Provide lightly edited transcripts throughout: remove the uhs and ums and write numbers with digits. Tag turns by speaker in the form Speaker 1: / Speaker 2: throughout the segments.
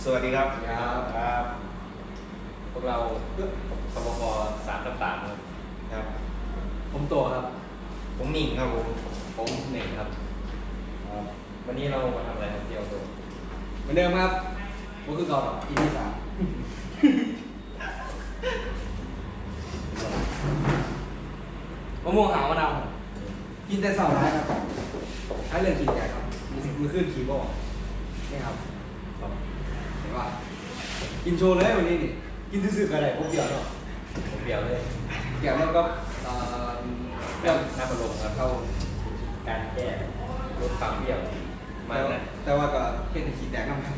Speaker 1: วัสดีครับ
Speaker 2: ครับพวกเราสปป3/3ครับ
Speaker 1: ครับ
Speaker 2: ผมโตครับ
Speaker 1: ผมหนิ่งครับ
Speaker 2: ผมหนึ่งครับวันนี้เรามาทำอะไรครับเที่ยวตัว
Speaker 3: เหมือนเดิมครับก็คือเก่าEP 3มะม่วงหาวมะนาวกินแต่เสาร์ร้ายครับถ้าเรื่องกินใหญ่ครับมือขึ้นขี่บ่นี่ครับเห็นว่ากินโชว์เลยวันนี้นี่กินซื่อๆกันเลยพวกเดียวเนาะ
Speaker 2: ผมเดียวเลย
Speaker 3: เกี่ยวแล้วก็เรื่อง
Speaker 2: น้ำมันลมครับ
Speaker 3: เขา
Speaker 2: การแก้ลดความเบี้ยวมากนะ
Speaker 3: แต่ว่าก็เห็นขีดแดงน้ำ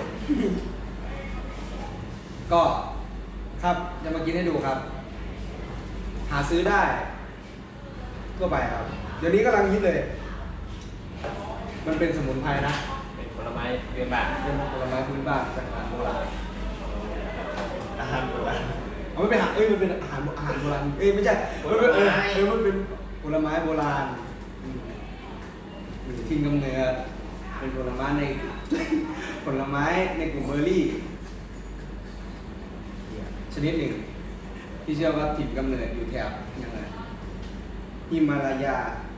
Speaker 3: ก็ครับจะมากินให้ดูครับ หาซื้อได้ทั่วไปครับ เดี๋ยวนี้กำลังฮิตเลย มันเป็นสมุนไพรนะ
Speaker 2: เป็นผลไม้เยือนบาท
Speaker 3: เป็นผลไม้พื้นบ้านจากอาหารโบราณ
Speaker 1: อาหารโบราณ
Speaker 3: เอาไม่เป็นอาหารมันเป็นอาหารโบราณไม่ใช่มันเป็นมันเป็นผลไม้โบราณทิ้งกำเนิดเป็นผลไม้ใน ผลไม้ในกลุ่มเบอร์รี่ ชนิดหนึ่งที่เชื่อว่าถิ่นกำเนิดอยู่แถบยังไงฮิมาลายา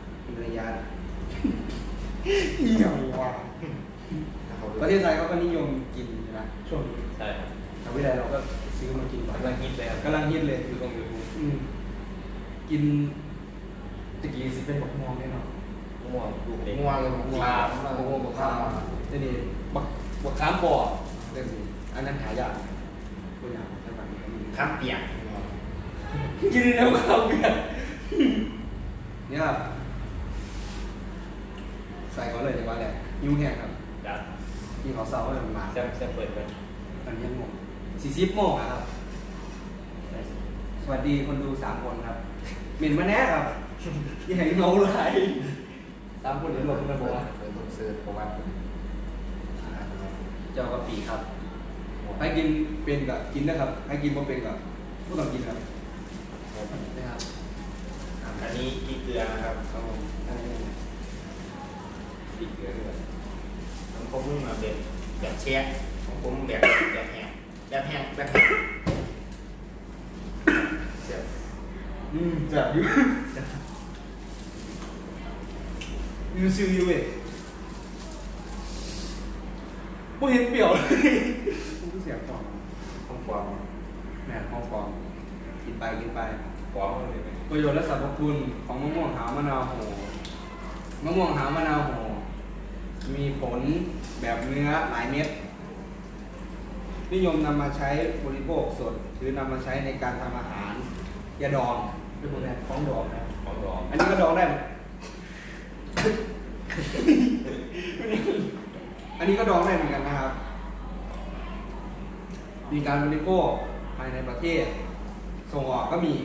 Speaker 3: เหี่ยวว่ะประเทศไทยเขาก็นิยมกินนะช่วงนี้
Speaker 2: ใช่ครับ
Speaker 3: ทางวิทยาลัยเราก็ซื้อมากินบ่อย
Speaker 2: กำลังฮิตเลยครับ
Speaker 3: กำลังฮิตเลย
Speaker 2: คือตรงยูทูบ
Speaker 3: กินตะกี้สิเป็นบักม่วงแน่นอน
Speaker 2: ม่วงลูกเล็ก
Speaker 1: ม่วง
Speaker 3: บักม่วงบักข้าวนี่นี่บักข้ามปอเรื่องสิอันนั้นหายากตัวอย่างใช่ไหม
Speaker 1: ข้ามเปียก
Speaker 3: กินแล้วข้าวเปียกเนี่ยครับใส่ก่อนเลยดีกว่าแหละยิ้วแห้งครับ
Speaker 2: ดับ
Speaker 3: ที่เขาเศร้าเลยมันมา
Speaker 2: แซมเปิดไป
Speaker 3: ตอนนี้โมง40 โมงครับ สวัสดีคนดู3 คนครับเหม็นมาแน่ครับยังไงเงาไหล3 คนเดี๋ยวหลบกันบอกว่า
Speaker 1: เป็นต้องซื้อเพราะว่า
Speaker 3: เจ้ากะปิครับให้กินเป็นกับกินนะครับให้กินบ่เป็นกับผู้ต้องกินครับนะครับ
Speaker 1: อันนี้ที่เกลือนะครับ
Speaker 3: ครับผมอันนี้
Speaker 2: ติดเกลือด้วย
Speaker 1: ของผมมาเป็นแบบแช่ของผมแบบแห้งเสียบ
Speaker 3: จับอยู่ยูซิวยูเว้ยผู้เห็นเปรี้ยวเลยผู้เสียงฟอง
Speaker 1: ของปลอม
Speaker 3: แม่ฟองกินไป
Speaker 2: ฟ้องเลยไหม
Speaker 3: ประโยชน์และสรรพคุณของมะม่วงหาวมะนาวโหมะม่วงหาวมะนาวโหมีผลแบบเนื้อหลายเม็ดนิยมนำมาใช้บริโภคสดหรือนำมาใช้ในการทำอาหารยาดองเป็นพวกนี้ของดองนะ
Speaker 2: ของดอง
Speaker 3: อันนี้ก็ดองได้ไหม อันนี้ก็ดองได้เหมือนกันนะครับ มีการบริโภคภายในประเทศ ส่งออกก็มี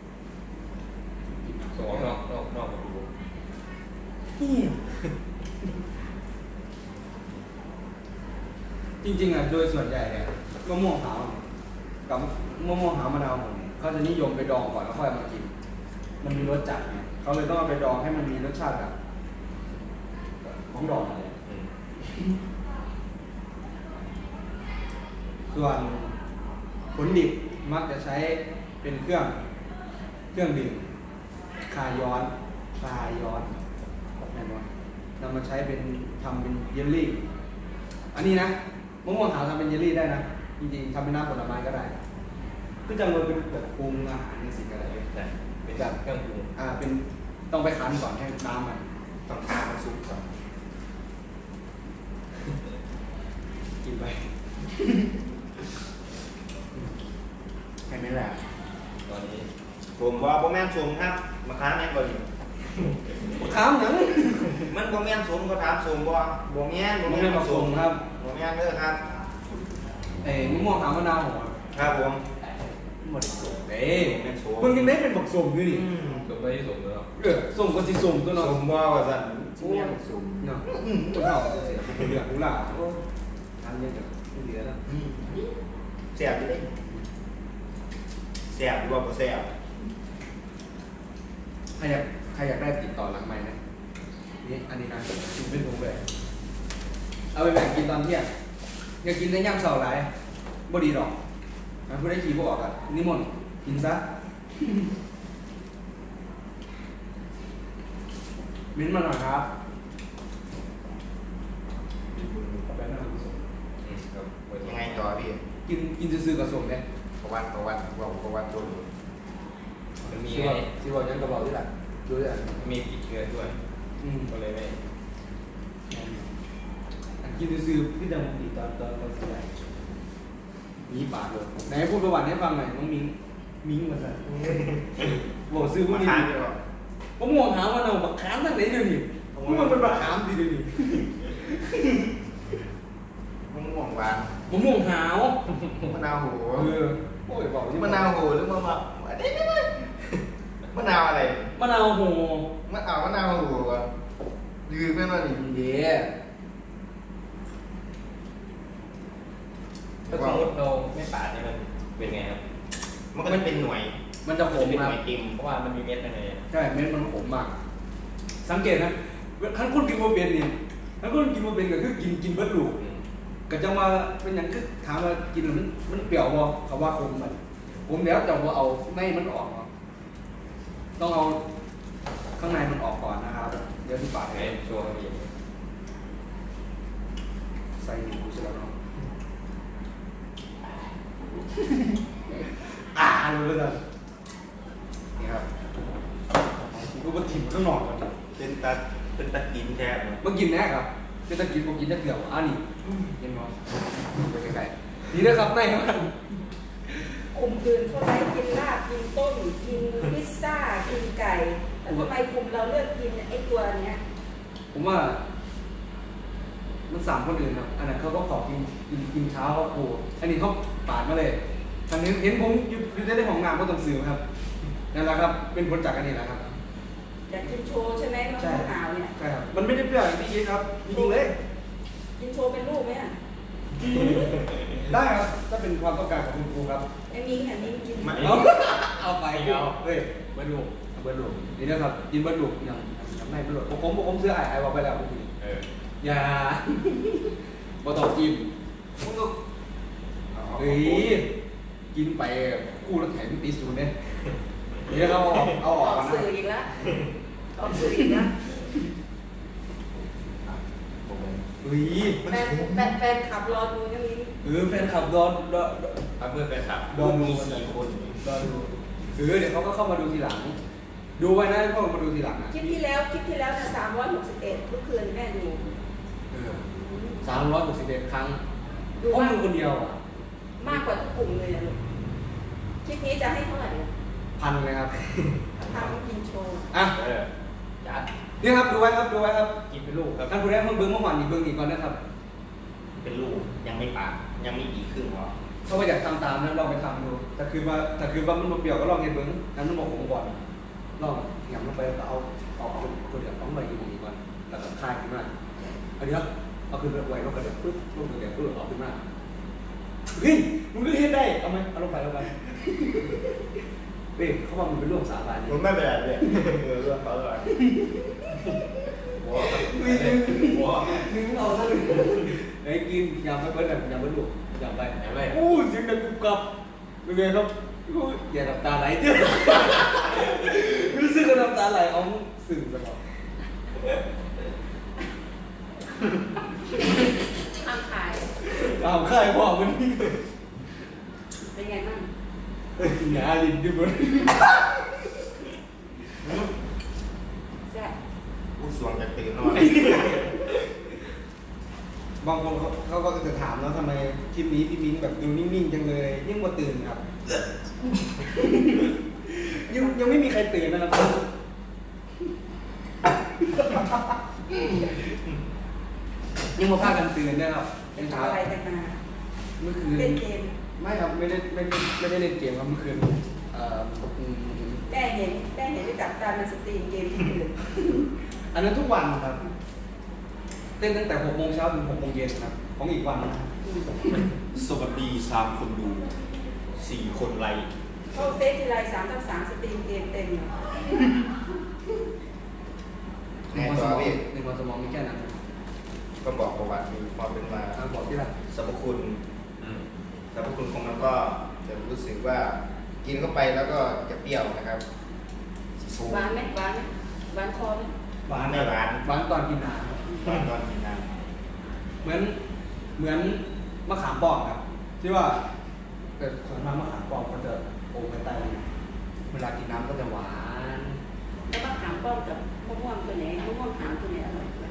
Speaker 2: ส่งออกนอกประตู
Speaker 3: จริงๆอ่ะโดยส่วนใหญ่เนี่ยมะม่วงหาวกับมะม่วงหาวมะนาวผมเนี่ยเขาจะนิยมไปดองก่อนแล้วค่อยเอามากิน มันมีรสจัดไงเขาเลยต้องเอาไปดองให้มันมีรสชาติแบบของดองอะไร
Speaker 2: อืม
Speaker 3: ส่วนผลดิบมักจะใช้เป็นเครื่องดื่มคลายย้อนแน่นอนนำมาใช้เป็นทำเป็นเยลลี่ อันนี้นะมะม่วงหาวทำเป็นเยลลี่ได้นะ จริงๆทำเป็นน้ำผลไม้ก็ได้ก็จะมาเป็นแบบปรุงอาหารในสิ่งอะไร
Speaker 2: ใช่เป็นแบบเครื่องปรุง
Speaker 3: เป็นต้องไปคั้นก่อนให้น้ำมัน
Speaker 1: ต้องทามันสุกก่อน
Speaker 3: กินไป แค่นี้แหละ
Speaker 2: ตอนนี้
Speaker 1: ผมว่าโบแมนสมครับมาค้าแม่นก่อน
Speaker 3: ข้ามหนัง
Speaker 1: มันโบแมนสมก็ถามสมบ่โบแมน
Speaker 3: มะม่วงผสมครับ
Speaker 1: โบแมนเด้อครับ
Speaker 3: มะม่วงหาวมะนาวหัว
Speaker 1: ครับผม
Speaker 3: หมดสมเด้
Speaker 1: โบแม่นสม
Speaker 3: มึงยังได้เป็นบักสมด้วยนี่
Speaker 2: ส่งไปที่ส่งเลยครับ
Speaker 3: สมก็สิสมตัวเนาะ
Speaker 1: สมบ่ว่าซั่น
Speaker 3: โอ้ยสมเนาะตัวเท่าเสียเป็นเหลืองกูล่ะทำยังไงไม่เหลือแล้ว
Speaker 1: แซ่บอยู่เด้แซ่บหรือว่าบ่แซ่บ
Speaker 3: ใครอยากได้ติดต่อหลังไม้นะนี่อันนี้นะกินเป็นถุงเลยเอาไปแบ่งกินตอนเที่ยงอย่ากินในย่ำเสาหลายบ่ดีดอกมันผู้ได้ขี่บ่ออกอ่ะนิมนต์กินซะมิ้นมาหน่อยครับไปนั่งดูส่ง
Speaker 2: ครับ
Speaker 1: ยังไงต่อพี่
Speaker 3: กินซื้อๆกับส่งเนี่ย
Speaker 1: ประวัติตัวหนู
Speaker 2: มันมี
Speaker 3: ซื้อ
Speaker 2: ไง
Speaker 3: ว่าซื้อว่ายังกระเป๋าที่หลังดูด้วย
Speaker 2: มีผิดเงินด้วย ก็เลยไม่
Speaker 3: กินซื้อๆพี่ดำดีตอนสมัยมีปากเลยไหนพูดประวัติให้ฟังหน่อยน้องมิ้งมาสั่นบอกซื้อพวก
Speaker 1: มา
Speaker 3: นี้
Speaker 1: ทานดีกว่า
Speaker 3: ผมมองหามันเอาบักขามตั้งไหนเดี๋ยวนี้มันเป็นบักขามดีเดี๋ยวนี้
Speaker 1: มะม่วงหวาน
Speaker 3: ผมมองหาว
Speaker 1: มะนาวโห
Speaker 3: โอ้ยบอกที่
Speaker 1: มะนาวโหหรือมะมะนาวอะไร
Speaker 3: มะนาวโห
Speaker 1: มะนาวโหวะยืมแม่นว่านี่
Speaker 3: เดี๋ยว
Speaker 2: ถ้าสมมติเราไม่ปาดนี่มันเป็นไงครับ
Speaker 1: มันก็เป็นหน่วย
Speaker 3: มันจะขม
Speaker 1: เป็น
Speaker 3: ค
Speaker 1: ห
Speaker 3: รับ
Speaker 1: น่วยเต็ม
Speaker 2: เพราะว่ามันมีเม็ดอะไร
Speaker 3: ใช่เม็ดมันขมมาก สังเกตนะท่านคนกินโมเบนนี่ท่านคนกินโมเบนก็คือกินเบิดลูกก็จะมาเป็นอย่างคือถามว่ากินแล้วมันเปรี้ยวบ่เขาว่าขมมันผมแล้วจะว่าเอาในมันออกเนาะต้องเอาข้างในมันออกก่อนนะครับเดี๋ยวที่ปาก
Speaker 2: ไง
Speaker 3: ให้
Speaker 2: ช่วงนี้
Speaker 3: ใส่หมูเสร็จแล้วเนาะรู้เลยนะนี่ครับกูมาถิ่มข้างนอกก่อน
Speaker 1: เป็นตะกินแทบ
Speaker 3: มากินแน่ครับเป็นตะกินผมกินจะเกี่ยวนี่เห็นไหมไปไกลๆนี่นะครับในมัน
Speaker 4: กลุ่มอื่นเขาไล่กินลาบกินต้มกินพิซซ่ากินไก่แต่ทำไมกลุ่มเราเลือกกินไอ้ตัวเนี้ย
Speaker 3: ผมว่า มันสามคนอื่นครับอันนั้นเขาก็ขอกินเช้าเขาโอ้อันนี้เขาปาดมาเลยอันนี้เห็นผมอยู่ในห้องน้ำก็ต้องซื้อครับนั่นแหละครับเป็นผลจากอันนี้แหละครับ
Speaker 4: อยากกินโชว์ใช่ไหมมะม่วงหาวเนี่ย
Speaker 3: ใช่ครับมันไม่ได้เปรี้ยวอย่างที่คิดครับจริงๆเลย
Speaker 4: กินโชว์เป็นลูกไหมอ่ะ
Speaker 3: ได้ครับถ้าเป็นความต้องการของคุณครูครับ
Speaker 4: ไอ้มิ้งอันนี้กิน
Speaker 3: เอาไปเฮ้ยเบิร์ดลูกเบิร์ดลูกนี่นะครับกินเบิร์ดลูกยังไม่เบิร์ดลูกผมเสื้อไอ้บอกไปแล้วเมื่อกี้ อย่าบ่ต้องกินมึงก็เฮ้ยกินไปคู่แล้วแถมตีศูนย์เนี่ยนี่เราเอา
Speaker 4: อ
Speaker 3: ออก
Speaker 4: อก
Speaker 3: มานะ
Speaker 4: สื่ออีกแล้วออกสื่ออีกแล้ว
Speaker 3: เฮ้ย
Speaker 4: แฟนขับรอดูนะมิ้ง
Speaker 3: แฟนคลับดอน
Speaker 2: ถ้าเพื่อนไปขับ
Speaker 3: ดอนดู
Speaker 2: มี4 คน
Speaker 3: ดอนดูเดี๋ยวเขาก็เข้ามาดูทีหลัง ดูไว้นะพวกมาดูทีหลังนะ
Speaker 4: คลิปที่แล้วนะ361เมื่อคืนแม่ดู
Speaker 3: 361 ครั้ง
Speaker 4: ดู
Speaker 3: เพราะ
Speaker 4: มาก
Speaker 3: มึงคนเดียวอ่ะ
Speaker 4: มากกว่าทุกกลุ่มเลยอะลูกคลิปนี้จะให้เท่าไหร่อะ
Speaker 3: พันเลยครับ
Speaker 4: ทำกินโชว์
Speaker 3: อ่ะ
Speaker 2: จัด
Speaker 3: นี่ครับดูไว้ครับดูไว้ครับ
Speaker 2: กินเป็นลูกครับ
Speaker 3: ท่านผู้ใดเพิ่งเบิ้งเมื่อวานนี้เบิ้งอีกก่อนนะครับ
Speaker 1: เป็นลูกยังไม่ปากยังไม่กี่ครึ่งหรอ
Speaker 3: ถ้าว่าอยากทำตามนั้นลองไปทำดูแต่คือว่ามันมาเปรี้ยวก็ลองเห็นเบิ้งนั้นมันบอกผมก่อนลองหยั่งลงไปแล้วก็เอาคนเดียวต้องไปอยู่ตรงนี้ก่อนแล้วก็คลายขึ้นมาอันนี้เอาขึ้นไปไว้แล้วก็เดี๋ยวปึ๊บลงเดี๋ยวปึ๊บออกขึ้นมาเฮ้ยมึงก็เห็นได้เอาไหมเอาลงไปเฮ้ยเขาบอกมันเป็นเรื่องสาบานนี่
Speaker 1: มันไม่เป็นไรเลยเรื่องเขาเลย
Speaker 2: หัวหัว
Speaker 3: นึงเอาซะเลยไอ้กินยำไปเบิ้ลแบบยำเบิ้ลลูกยำไป
Speaker 2: ไหนไป
Speaker 3: โอ้เสียงดังกุบกับเป็นไงครับอย่าน้ำตาไหลเจ้ารู้สึกว่าน้ำตาไหลเอาสื่อตลอด
Speaker 4: ข้างขาย
Speaker 3: เอาค่ายพ่อมันนี่
Speaker 4: เป็นไงบ้าง
Speaker 3: หนาลิ้นดิบเลย
Speaker 4: แซ่บ
Speaker 1: ผู้สวงจะตื่นนอน
Speaker 3: บางคนเขาก็จะถามแล้วทำไมคลิปนี้พี่มิ้งแบบดูนิ่งๆจังเลยยังมาตื่นครับ ยังไม่มีใครตื่นนะครับยังมาพากันตื่นเนี่ยครับเป็นเช้า
Speaker 4: ทำอะไรกันมา
Speaker 3: เมื่อคืน
Speaker 4: เล่นเกม
Speaker 3: ไม่ครับไม่ได้เล่นเกมครับเมื่อคืน
Speaker 4: แม่เห็นได้จับตามันสตรีมเกมที่อื่น
Speaker 3: อันนั้นทุกวันครับเต้นตั้งแต่6 โมงเช้าถึง6 โมงเย็นครับของอีกวันนะ
Speaker 1: สวัสดี3 คนดู4 คนไลค์
Speaker 4: เข้าเฟซทีไร3/3สตรีมเกมเต็มเลย
Speaker 3: หนึ่งวันสมองมีแค่นั้น
Speaker 1: ไปก็บอกประวัติมีความเป็นมา
Speaker 3: บอกที่ละ
Speaker 1: สรรพคุณ
Speaker 2: อืม
Speaker 1: สรรพคุณของมันก็จะรู้สึกว่ากินเข้าไปแล้วก็จะเปรี้ยวนะครับสูง
Speaker 4: หวานไหมหวานไหมหวานคอไหม
Speaker 3: หวาน
Speaker 1: ไม่หวาน
Speaker 3: หวานตอนกินน้
Speaker 1: ตอนกินน้
Speaker 3: ำเหมือนมะขามป้อมครับที่ว่าแต่ส่วนมากมะขามป้อมก็จะโอ้ไม่ตายเวลากินน้ำก็จะหวาน
Speaker 4: แล้วมะขามป้อมกับมะม่วงตัวไหนมะม่วงหามตัวไหนอร่อยกว่า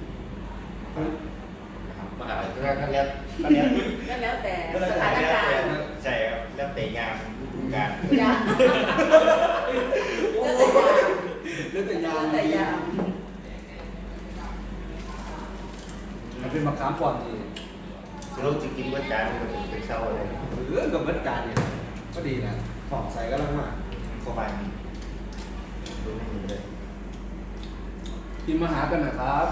Speaker 1: ำ
Speaker 2: มหาลัย
Speaker 1: แล้วก็เรียกก็เรียก
Speaker 4: ก็แล้วแต่สถานการณ์
Speaker 1: ใช่ครับแล้วแต่งานฤดูกาล
Speaker 4: ยามแล้วแต่ยาม
Speaker 3: แล้วแต่ยาม
Speaker 4: แล้วแต่ยาม
Speaker 3: มันเป็นมะขามป้อมที่
Speaker 1: สรุปจะกินว่าจานมันเป็นเช้าอะไร
Speaker 3: เรื่องกับเบิดการเนี่ยก็ดีนะหอมใส่ก็ลังมาก
Speaker 1: เข้าไปดูไม่มีเลย
Speaker 3: กินมาหากันหนะครับ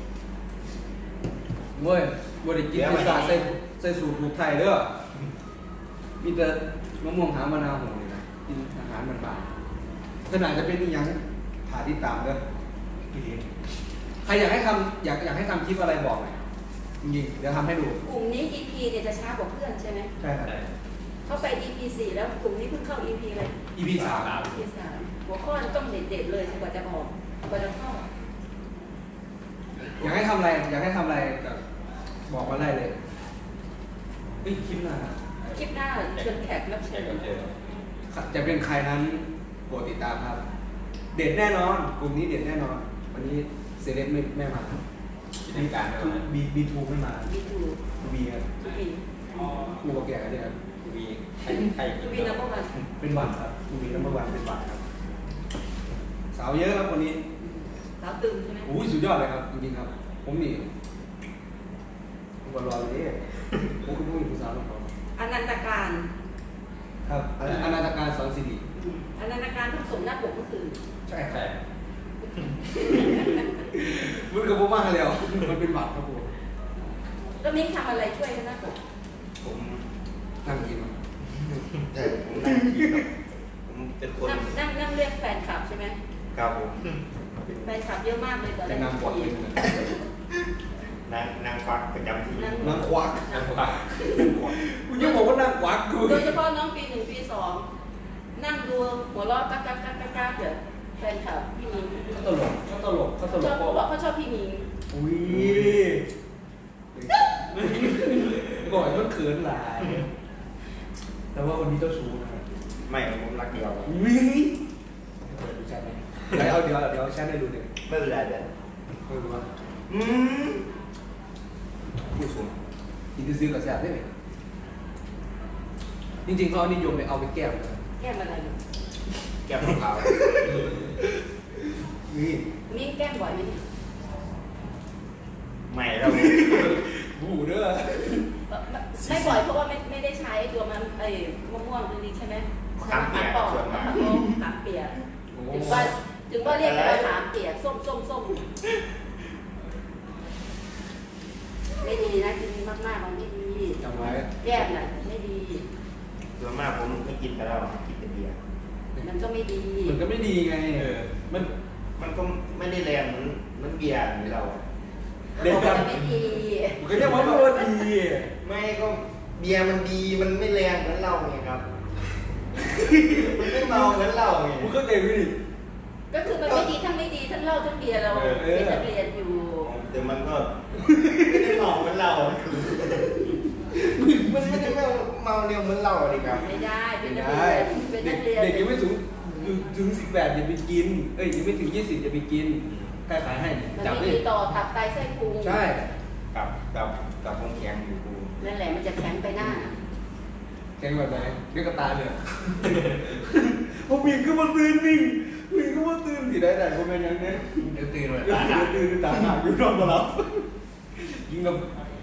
Speaker 3: เว้ยบริกินพิซซ่าใส่สูตรถูกไทยเด้อมีแต่มะม่วงหามะนาวโหเลยนะกินอาหารมันบานขนาดจะเป็นอีหยังหาที่ตามเด้อพี่เลี้ยงใครอยากให้ทำอยากให้ทำคลิปอะไรบอกหน่อยจริงๆเดี๋ยวทำให้ดู
Speaker 4: กลุ่มนี้ EP เนี่ยจะช้ากว่าเพื่อนใช่ไหม
Speaker 3: ใช่ครับ
Speaker 2: ใช่
Speaker 4: เข้าไป EP 4แล้วกลุ่มนี้เพิ่งเข้า EP เลย
Speaker 3: EP 3
Speaker 4: EP 3หัวข้อต้องเด็ดๆเลยกว่าจะออกกว่าจะเข้า
Speaker 3: อยากให้ทำอะไรอยากให้ทำอะไรแบบบอกมาได้เลยเฮ้ยคลิปหน้า
Speaker 4: คลิปหน้าเชิญแขกรับ
Speaker 2: แข
Speaker 4: เชิ
Speaker 2: ก
Speaker 4: ญ
Speaker 2: รับเชิญ
Speaker 3: จะเป็นใครนั้นโปรดติดตามครับ เด็ดแน่นอนกลุ่มนี้เด็ดแน่นอน วันนี้เซเลบไม่มา
Speaker 2: กิจการไม่มา
Speaker 3: บีทูไม่มา
Speaker 4: มีทู
Speaker 3: บีครับ
Speaker 4: ทูบี
Speaker 3: กูกับแกกันเนี่ยครับ
Speaker 2: มีใคร
Speaker 4: ทูบีนับวัน
Speaker 3: เป็นบัตรครับกูมีน้ำมันวันเป็นบัตรครับ สาวเยอะครับวันนี้
Speaker 4: สาวตึงใช่ไหม
Speaker 3: โอ้ยสุดยอดเลยครับจริงๆครับ ผมนี่ผมก็รอเลยผมคือผู้หญิงผู้สาวของเขา
Speaker 4: อนันตการ
Speaker 3: ครับอนาตการสอนสิริ
Speaker 4: อนันตการเพิ่งส่งหน้าปกเมื่อคืน
Speaker 3: ใช่ครั
Speaker 2: ใช่
Speaker 3: บมันกับผมมากแล้วมันเป็นบัตรครับผม
Speaker 4: แล้วมิ้งทำอะไรช่วยกันหน้าปก
Speaker 1: ผม
Speaker 3: นั่งกินครับ
Speaker 1: ใช่ผมนั่งกินครับผมเป็นคน
Speaker 4: นั่งเรียกแฟนคลับใช่ไหม
Speaker 1: ครับผม
Speaker 4: แฟนคลับเยอะมากเลยตอน
Speaker 3: จะ
Speaker 4: แรก
Speaker 3: นำบท
Speaker 4: ที่
Speaker 3: เป็น
Speaker 1: นางฟักประจำที่
Speaker 3: นางควัก
Speaker 2: นั่งฟัง
Speaker 3: กูยังบอกว่านางควักกู
Speaker 4: โดยเฉพาะน้องปี1ปี2นั่งดูหัวเราะกักเดี๋ยวแฟนคลับพี่มิ้ง
Speaker 3: เขาตลกเขาตลกเขาตล
Speaker 4: ช
Speaker 3: ก
Speaker 4: อบเขาบอกเขาชอบพี่มิ้ง
Speaker 3: อุ้ยบ่อยมันเขินหลาย แต่ว่าคนนี้เจ้าชู้นะครับ
Speaker 1: ไม่ผมรักเดียวครับ
Speaker 3: อุ้ยเปิดดูแชทไหมเดี๋ยวแชทให้ดูหนึ่ง
Speaker 1: ไม่เป็นไรเดี๋ยว
Speaker 3: ไม่รู้ว่า
Speaker 1: อืมผู้สูง
Speaker 3: กินซื้อกับแชทได้ไหมจริงๆเขานิยมไปเอาไปแก้มนะ
Speaker 4: แก้มอะไรเนี่ย
Speaker 1: แก้มของเขา
Speaker 3: นี่
Speaker 4: มิ้งแก้มบ่อยไหมเนี่ย
Speaker 1: ไม่แล้ว
Speaker 3: บูเด้อ
Speaker 4: ไม่บ่อยเพราะว่าไม่ได้ใช้ตัวมันมะม่วงตัวนี้ใช่ไหมใช้มะขามปอกมะขามป้อมขามเปียกถึงว่าเรียกกันว่าขามเปียกส้มไม่ดีนะกินมากๆมันไม่ดี
Speaker 3: จำไว้
Speaker 4: แก้มน่ะไม่ดี
Speaker 1: ส่วนมากผมไม่กินแต่เรากินแต่เบียร์
Speaker 4: มันก็ไม่ดี
Speaker 3: มันก็ไม่ดีไงมัน
Speaker 1: มันก็ไม่ได้แรงเหมือนเบียร์เหมือนเรา
Speaker 3: เด็ด
Speaker 4: มัน
Speaker 3: กัน
Speaker 4: ก็ไม่ดี
Speaker 3: มันก็เรียกว่ามันดี
Speaker 1: ไม่ก็เบียร์มันดีมันไม่แรงเหมือนเราไงครับ มันไม่เมาเหมือนเราไง
Speaker 3: มึงก็เก่งดิ
Speaker 4: ก็คือมันไม่ดีทั้งไม่ดีทั้งเหล้าทั้งเบียร์เราเป็นนักเรียนอยู่
Speaker 1: แต่มันก็ไม่ได้เมาเหมือนเรามันไม่ได้เมาเร็วเหมือนเราเลยครับ
Speaker 4: ไม่ได้เป็น
Speaker 3: ไม่
Speaker 4: นัก
Speaker 3: ได้
Speaker 4: เรียนเป็นนักเรียน
Speaker 3: เด็กยังไม่ถึง18อย่าไปกินยังไม่ถึง20อย่าไปกินใครขายให้เนี่ย
Speaker 4: มัน
Speaker 3: จับ
Speaker 4: ไม่
Speaker 3: ดิ
Speaker 4: ดีต่อตับไตไส้พุง
Speaker 3: ใช่
Speaker 1: กับวงแข็งอยู่กู
Speaker 4: นั่นแหละมันจะแข็งไปหน้า
Speaker 3: แกงแบบไหนเรียกกระตาเนี่ยผมวิ่งขึ้นมาตื่นวิ่งขึ้นมาตื่นที่ได้ผมเป็นยังไง
Speaker 2: เดี๋ยวตื่นเลย
Speaker 3: ตื่นตาหักอยู่นอนมาแล้วยิงกับ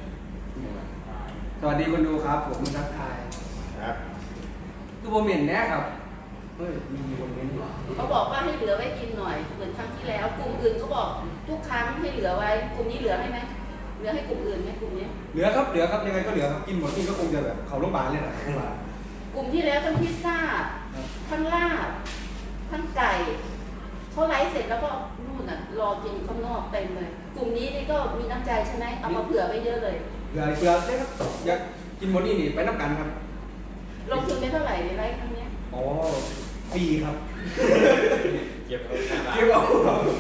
Speaker 3: สวัสดีคนดูครับผมทักทาย
Speaker 1: ครับ
Speaker 3: คือผมเห็นแน่ครับเฮ้ยมีคนเม้นอยู่
Speaker 4: เขาบอกว่าให้เหลือไว้กินหน่อยเหมือนครั้งที่แล้วกลุ่มอื่นเขาบอกทุกครั้งให้เหลือไว้กลุ่มนี้เหลือให้ไหมเหลือให้กลุ่มอื่นไหมกลุ่มนี้
Speaker 3: เหลือครับยังไงก็เหลือครับกินหมดกินก็คงจะแบบเขาโรงพยาบาลเลยนะโรงพยาบาล
Speaker 4: กลุ่มที่แล้วทั้งพิซซ่าทั้งลาบทั้งไก่เขาไลฟ์เสร็จแล้วก็นู่นน่ะรอกินข้างนอกเต็มเลย กลุ่มนี้นี่ก็มีน้ำใจใช่ไหมเอามาเผื่อไว้เยอะเลย
Speaker 3: เผื่อได้ครับอยากกินหมดนี่ไปนับกันครับ
Speaker 4: ลงทุนไปเท่าไหร่ในไลฟ์ครั้งเนี้ย
Speaker 3: อ๋อฟรีครับ
Speaker 2: เก็บเอาแค่บาท
Speaker 3: เกี่ยวเอา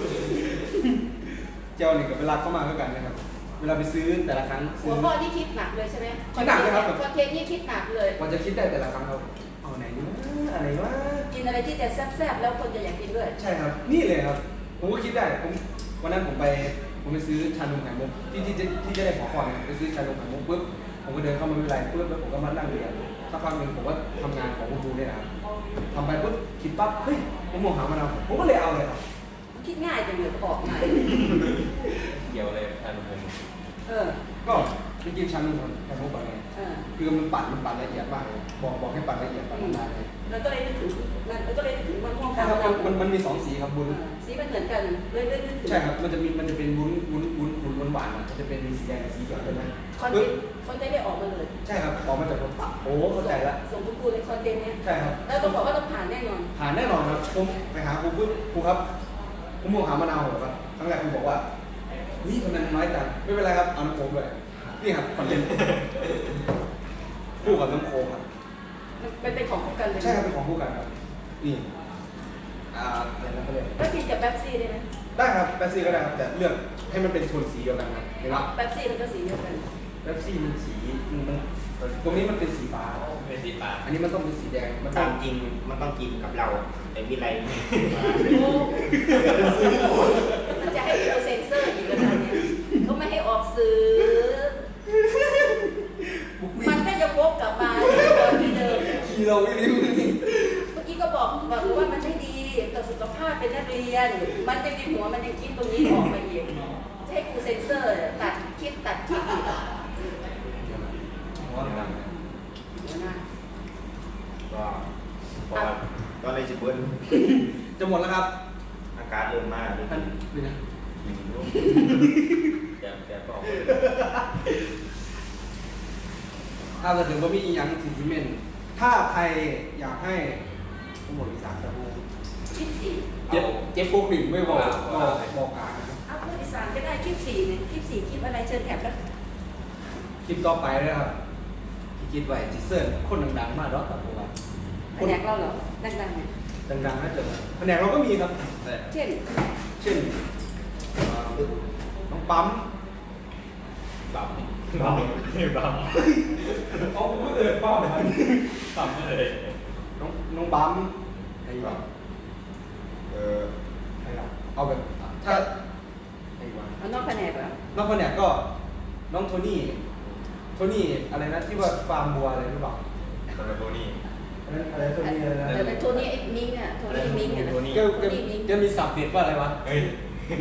Speaker 3: เจ้านี่กับเวลาเข้ามาก็กันนะครับ เวลาไปซื้อแต่ละครั้ง
Speaker 4: หั
Speaker 3: ซื้
Speaker 4: ว
Speaker 3: อ
Speaker 4: ข้อที่คิดหนักเลยใช่ไหม
Speaker 3: คิดหนักเลยครับ
Speaker 4: คอนเทนต์นี่คิดหนักเลย
Speaker 3: มันจะคิดได้แต่ละครั้งครับเอาไหนดีวะอะไรวะ
Speaker 4: กินอะไรที่จะแซ่บๆแล้วคนจะอยากกินด้วย
Speaker 3: ใช่ครับ นี่เลยครับ ผมก็คิดได้วันนั้นผมไปซื้อชานมไข่มุกที่จะได้ขอก่อนเนี่ยไปซื้อชานมไข่มุกปุ๊บผมก็เดินเข้ามาไม่เป็นไรปุ๊บแล้วผมก็มานั่งเรียนสักพักหนึ่งผมก็ทำงานของคุณครูเนี่ยนะครับทำไปปุ๊บคิดปั๊บเฮ้ยผมมองหามะนาวผมก็เลยเอาเลยครับ
Speaker 4: คิดง่ายจังเลยออกมา
Speaker 2: เกี่ยวเลยท่านผม
Speaker 4: เออ
Speaker 3: ก็ไปกินชานมไข่มุกก่อนไง
Speaker 4: เออ
Speaker 3: คือมันปั่นละเอียดมากเลยบอกให้ปั่นละเอียดปั่นนานเลย
Speaker 4: แล้วก็เลยนึกถึงมันก็เลยนึกถึงมะม่วง
Speaker 3: ใช่
Speaker 4: ขาว
Speaker 3: ครับ
Speaker 4: มะนาว
Speaker 3: มันมีสองสีครับบุญ
Speaker 4: สีมันเหมือนกันเลยนึกถึง
Speaker 3: ใช่ครับมันจะเป็นวุ้นหวานอ่ะจะเป็นสีแดงกับสีเขียวใช่ไหม
Speaker 4: คอนเทนต์ได้ออกมาเลย
Speaker 3: ใช่ครับออกมาจากรถตักโอ้เข้าใจละ
Speaker 4: ส่งคุณครูในคอนเทนต์เนี้ย
Speaker 3: ใช่ครับ
Speaker 4: แล้วต้องบอกว่าต้องผ่านแน่นอน
Speaker 3: ผ่านแน่นอนครับผมไปหาครูปุ๊บครูครับผมมองหามะนาวเหรอครับครั้งแรกครูบอกว่านี่ทำไมมันน้อยจังไม่เป็นไรครับเอาน้ำโค้งด้วยนี่ครับคอนเทนต์คู่กับน้ำโค้งครับ
Speaker 4: มันเป็นของคู่กันเลย
Speaker 3: ใช่ครับเป็นของคู่กันครับนี่อะไรนะเขาเรียก
Speaker 4: แล้วกินกับแป๊บซี่ได้ไหม
Speaker 3: ได้ครับแป๊บซี่ก็ได้ครับแต่เลือกให้มันเป็นโทนสีเดียวกันครับเห็นไหม
Speaker 4: แป๊บซี่มันก็สีเดียวกัน
Speaker 3: แป๊บซี่มันสีมันตรงนี้มันเป็นสีฟ้า
Speaker 2: เป็นสีฟ้า
Speaker 3: อันนี้มันต้องเป็นสีแดงมันต้
Speaker 1: ตา
Speaker 3: อง
Speaker 1: มจริงมันต้องกินกับเรา แต่วิไลไม่
Speaker 4: มันจะให้เราเซ็นเซอร์อีกแล้วนะเนี่ยเขาไม่ให้ออกสื่อมันก็จะวกกลับมาที่เดิม
Speaker 3: ขี่เราไม่รู้นี่
Speaker 4: เมื่อกี้ก็บอกว่ามันไม่ดีต่อสุขภาพเป็นนักเรียน มันจะมีหัวมันยังคิดตรงนี้ออกมาอีกจะให้ครูเซ็นเซอร์ตัดคลิปอีกเดี๋ยวนะ
Speaker 1: ก็พอก็เลยจะเบิ้ล
Speaker 3: จะหมดแล้วครับ
Speaker 1: อาการเริ่มมากเลย
Speaker 3: ท่านดูนะ
Speaker 2: แต่ก็ออก
Speaker 3: ถ้าจะถึงว่ามีอย่างสิซิเมนถ้าใครอยากให้ผมบอกอีสานจะพูด
Speaker 4: คลิปสี่
Speaker 3: เจ็บโฟกลิ่งไม่บอกบอกอ่านนะครับ
Speaker 4: เอาพูดอีสานก็ได้คลิปสี่เนี่ยคลิปสี่คลิปอะไรเชิญแถบแล้ว
Speaker 3: คลิปต่อไปเลยครับที่คิดไว้จิเซอร์คนดังๆมากรอบต่อไป
Speaker 4: แผนกเราเหรอดังๆเนี่ย
Speaker 3: ดังๆน่าจะแผนกเราก็มีครับแต่
Speaker 4: เช่น
Speaker 3: เช่นน้องปั๊ม
Speaker 2: บัมบัมบัม
Speaker 3: เอาปั๊ม
Speaker 2: บัมเลย
Speaker 3: น้องปั๊มไอ้แบบ
Speaker 1: เออ
Speaker 3: ไอ้แบบเอาแบบถ้าไอ้วะ
Speaker 4: เอานอกแผนกเหรอ
Speaker 3: น้องคนเนี้ยก็น้องโทนี่อะไรนะที่ว่าฟาร์มบัวอะไรหรือเปล่า
Speaker 2: ตอนโทนี่
Speaker 3: อันนั้นอะไรโทนี่อะไรนะ
Speaker 4: เดี๋ยวเป็นโทนี่มิงอ่ะโทนี่มิงอ่ะนะ
Speaker 2: โทนี่
Speaker 3: แกมีศัพท์เด็ดว่าอะไรวะ
Speaker 2: เฮ้ย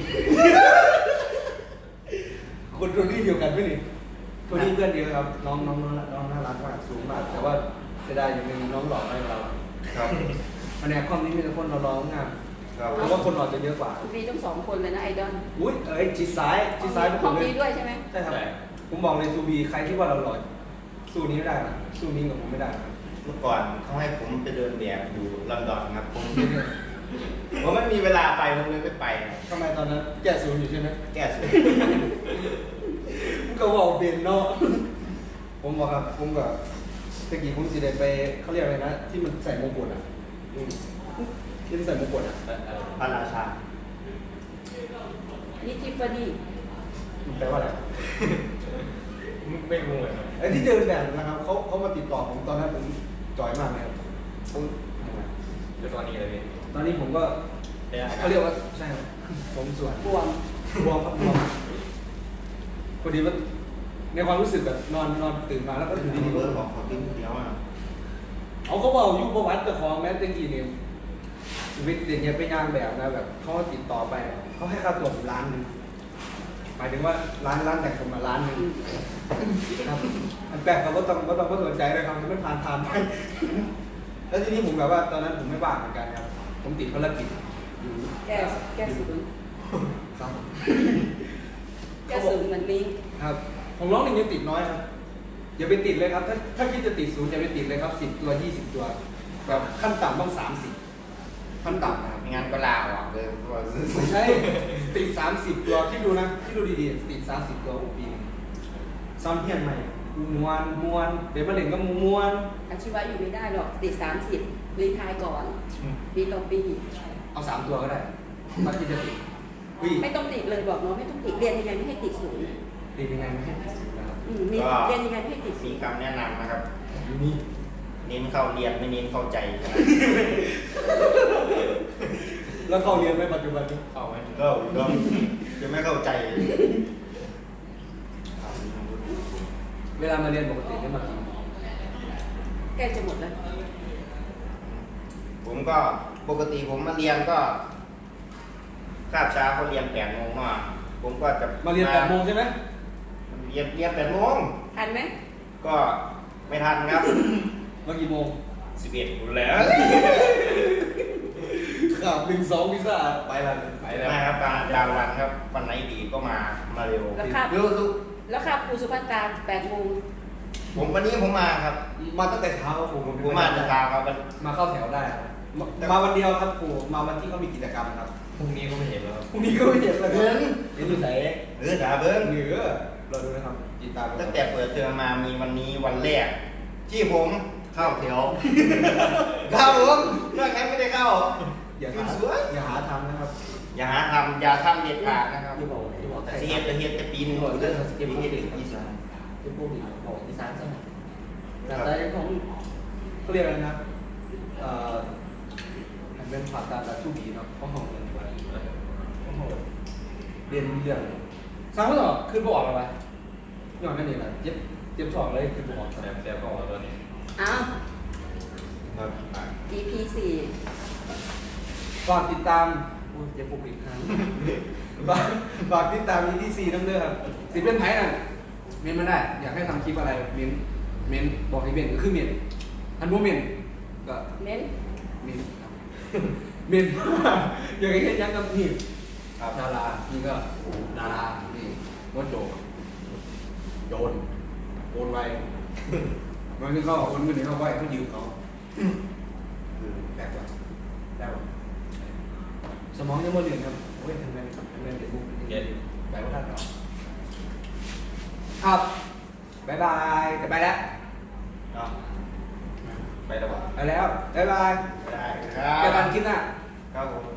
Speaker 3: คนโทนี่เดียวกันไหมนี่โทนี่เพื่อนเดียวครับน้องน่ารักมากสูงมากแต่ว่าจะได้อย่างหนึงน้องหล่อไม่เรา
Speaker 1: ครับ
Speaker 3: แผนกคอมนี้มีแต่คนเราๆงาม
Speaker 1: ครับ
Speaker 3: เพราะว่าคนหล่อจะเยอะกว่า
Speaker 4: มีทั้งสองคนเลยนะไอดอล
Speaker 3: อุ้ยจีซ้ายทุกค
Speaker 4: ห้อน ง
Speaker 3: เลย
Speaker 4: นี้ด้วยใช่ไหม
Speaker 3: ใช่ครับผมบอกเลยทูบีใครที่ว่าเราหล่อสู้นี้ไม่ได้นะสู้นี้กับผมไม่ได้นะ
Speaker 1: เมื่อก่อนเขาให้ผมไปเดินแบบอยู่ลอนดอนครับผมไม่มีเวลาไปผมเลยไม่ไปครับ
Speaker 3: ทำไมตอนนั้นแก้ศูนย์อยู่ใช่ไหม
Speaker 1: แก้สุด
Speaker 3: ผมก็บอกเบนเนาะผมบอกครับผมก็ตะกี้ผมสิเดไปเขาเรียกอะไรนะที่มันใส่มงกุฎอ่ะที่มันใส่มงกุฎอ่ะ
Speaker 1: พระราชา
Speaker 4: นี่ทิฟฟานี่
Speaker 3: มันแปลว่าอะไร
Speaker 2: ไม่รู้เลย
Speaker 3: ไอ้ที่เดินแบบนะครับเขามาติดต่อผมตอนนั้นผมจ่อยมากเลยครับผม
Speaker 2: คือตอนนี้เลยพี่
Speaker 3: ตอนนี้ผมก็เขาเรียกว่าใช่ครับผมส่วน
Speaker 4: บวม
Speaker 3: บวมครับบวมพอดีว่าในความรู้สึกแบบนอนตื่นมาแล้วก็อยู่
Speaker 1: ที่
Speaker 3: ดี
Speaker 1: นี่
Speaker 3: ๆ
Speaker 1: เบิ
Speaker 3: ก็
Speaker 1: ร์ดบอกขอกินเดียวอ่ะ
Speaker 3: เขาบอกยุคประวัติแต่ของแม้แต่กี้เนี่ยชีวิตอย่างเงี้ยเป็นงานแบบนะแบบเขาติดต่อไปเขาให้ค่าตัวผม1,000,000หมายถึงว่าร้านแต่งผมมา1,000,000ครับอันแปลกเขาก็ต้องสนใจเลยครับไม่ผ่านไปแล้วทีนี้ผมแบบว่าตอนนั้นผมไม่ว่างเหมือนกันครับผมติดภารกิจอยู่
Speaker 4: แก้ศูนย์
Speaker 3: ครับ
Speaker 4: แก้ศูนย์เหมือนมิง
Speaker 3: ครับของน้องหนึ่งยังติดน้อยครับอย่าไปติดเลยครับถ้าคิดจะติดศูนย์อย่าไปติดเลยครับ10 ตัว 20 ตัวแบบขั้นต่ำต้อง30ทขั้นต่ำนะครับ
Speaker 1: ไม่งั้นก็ลาออกเลยเพราะว่า
Speaker 3: ไม่ใช่สติ30 ตัวคิดดูนะคิดดูดีๆสติ30 ตัวปีนึงซ้ำเพี้ยนใหม่มวนเดี๋ยวมาเล่นก็มวน
Speaker 4: อาชีวะอยู่ไม่ได้หรอกติด30รีไทายก่อน ปีต่อปี
Speaker 3: เอา3 ตัวก็ได้ถ้าคิดจะติดเฮ้ย
Speaker 4: ไม่ต้องติดเลยบอกน้องไม่ต้องติดเรียนยังไงไม่ให้ติดศูนย์
Speaker 3: เรียนยังไงไม่ให้ติดศูนย์นะครับ
Speaker 4: มีเรียนยังไงไม่ให้ติดศู
Speaker 1: มี
Speaker 4: นย์
Speaker 1: คำแนะนำนะครับ
Speaker 3: อยู่นี่
Speaker 1: เน้นเข้าเรียนไม่เน้นเข้าใจนะ
Speaker 3: แล้วเข้าเรียนไหมปัจจุบันนี้
Speaker 2: เข้าไหม
Speaker 1: ก็จะไม่เข้าใจ
Speaker 3: เวลามาเรียนปกติได้มากี่โมง
Speaker 4: ใกล้จะหมดแล้ว
Speaker 1: ผมก็ปกติผมมาเรียนก็คาบเช้าเขาเรียน8 โมงมาผมก็จะ
Speaker 3: มาเรียน8 โมงใช่ไหม
Speaker 1: เรียน8 โมง
Speaker 4: ทันไหม
Speaker 1: ก็ไม่ทันครับ
Speaker 3: มากี่โมง
Speaker 1: 11อยู่แล้ว
Speaker 3: ขับ1-2พิซซ่าไปละ
Speaker 2: ไปแล้ว
Speaker 1: นะครับบางวันครับวันไหนดีก็มาเร็ว
Speaker 4: แล้วครับ
Speaker 1: เร็วสุด
Speaker 4: แล้วครับครูสุภัตตา8 โมง
Speaker 1: ผมวันนี้ผมมาครับ
Speaker 3: มาตั้งแต่เช้าผม
Speaker 1: ผมมาแต่เช้าครับ
Speaker 3: มาเข้าแถวได้ครับมาวันเดียวครับครูมาวันที่เขามีกิจกรรมครับ
Speaker 2: พรุ่งนี้ก็ไม่เห็นแล้วครับ
Speaker 3: พรุ่งนี้ก็ไม่เห็นแล้วครับเห็นอยู่ไหน
Speaker 1: ด่าเบิ้ง
Speaker 3: เหนือเราดูนะครับติดตาม
Speaker 1: ตั้งแต่เปิดเทอมมามีวันนี้วันแรก ที่ผมเข้าแถว ครับผมเรื่องนั้นไม่ได้เข้า
Speaker 3: อย่าหา
Speaker 1: สวย
Speaker 3: อย่าหาทำนะครับ
Speaker 1: อย่าหาทำอย่าทำเด็ดขาดนะครับ
Speaker 3: อย่าบอกอย่าบอก
Speaker 1: แต่เฮ็ดแต่ปีนึงผมจะเก็บเฮ็ดอีสาน
Speaker 3: จะพูดอีกบอกอีสานซะหน่อยแต่ของเขาเรียกอะไรนะมันเป็นผ่าตัดแบบชูบีเนาะเขาห้องเรียนไปเขาห้องเรียนเรื่องสร้างไม่หรอขึ้นบออกอะไรย้อนนั่นเองนะเจ็บท้องเลยขึ้นบออก
Speaker 2: แซมก็ออกแล้วตัวนี้
Speaker 4: อ้าว
Speaker 1: ครับ
Speaker 4: EP
Speaker 3: ฝากติดตามเจ็บปวดอีกครั้งฝากติดตาม EP 4น้ำเด้อครับสิเป็นไผ่น่ะเมนมาได้อยากให้ทำคลิปอะไรเมนบอกให้เมนก็คือเมนอันโมเมนก็
Speaker 4: 4เน้น
Speaker 3: เมนครับเมนอยากให้เห็นยังกับนี่
Speaker 1: ครับ
Speaker 3: ดารานี่ก็ดารานี่วัดโโอนไวมันก็โอนเงินให้เขาไว้เขายืมเขาแบกว่ะได้ป่ะสมองยังไม่เรียนครับโอ้ยทำไมเด็กบุ๊ก
Speaker 2: เย็น
Speaker 3: ไปว่าท่านเหรอครับบ๊ายบายจะไปแล้ว
Speaker 1: เนาะ
Speaker 2: ไปแล้ววะ
Speaker 3: ไปแล้วบ๊ายบาย
Speaker 1: ได้ค
Speaker 3: เจอ
Speaker 1: รั
Speaker 3: กับ นคลิปหน้า
Speaker 1: ครับผม